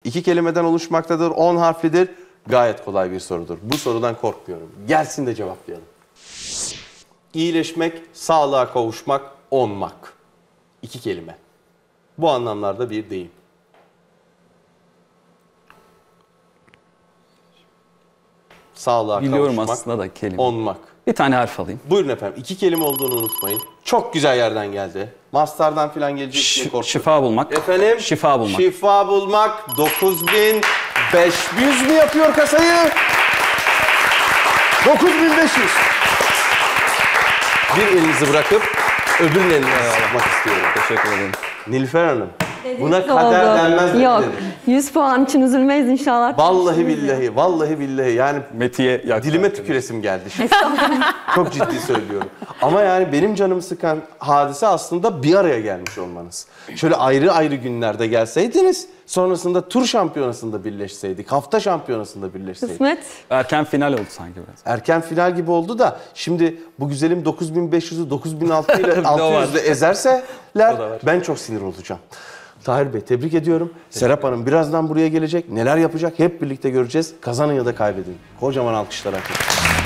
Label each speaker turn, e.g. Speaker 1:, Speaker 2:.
Speaker 1: 2 kelimeden oluşmaktadır, 10 harflidir. Gayet kolay bir sorudur. Bu sorudan korkmuyorum. Gelsin de cevaplayalım. İyileşmek, sağlığa kavuşmak, onmak. 2 kelime. Bu anlamlarda bir deyim. Sağlığa
Speaker 2: Biliyorum
Speaker 1: kavuşmak,
Speaker 2: aslında da kelime.
Speaker 1: onmak.
Speaker 2: Bir tane harf alayım.
Speaker 1: Buyurun efendim. 2 kelime olduğunu unutmayın. Çok güzel yerden geldi. Master'dan falan gelecek diye korktum.
Speaker 2: Şifa bulmak.
Speaker 1: Efendim?
Speaker 2: Şifa bulmak.
Speaker 1: Şifa bulmak. 9500 mü yapıyor kasayı? 9500. Bir elinizi bırakıp öbür elinizi almak istiyorum.
Speaker 2: Teşekkür ederim.
Speaker 1: Nilüfer Hanım. Buna
Speaker 3: Oldu.
Speaker 1: kader denmez dedi.
Speaker 3: Yok. 100 puan için üzülmeyiz inşallah.
Speaker 1: Vallahi billahi, vallahi billahi yani
Speaker 2: Metiye
Speaker 1: dilime tüküresim geldi şimdi. Çok ciddi söylüyorum. Ama yani benim canımı sıkan hadise aslında bir araya gelmiş olmanız. Şöyle ayrı ayrı günlerde gelseydiniz, sonrasında tur şampiyonasında birleşseydik, hafta şampiyonasında birleşseydik.
Speaker 3: Kısmet.
Speaker 2: Erken final oldu sanki biraz.
Speaker 1: Erken final gibi oldu da şimdi bu güzelim 9500'ü 9600 ile 600'ü ezerseler ben çok sinir olacağım. Tahir Bey tebrik ediyorum. Serap Hanım birazdan buraya gelecek. Neler yapacak hep birlikte göreceğiz. Kazanın ya da kaybedin. Kocaman alkışlar hak ediyor.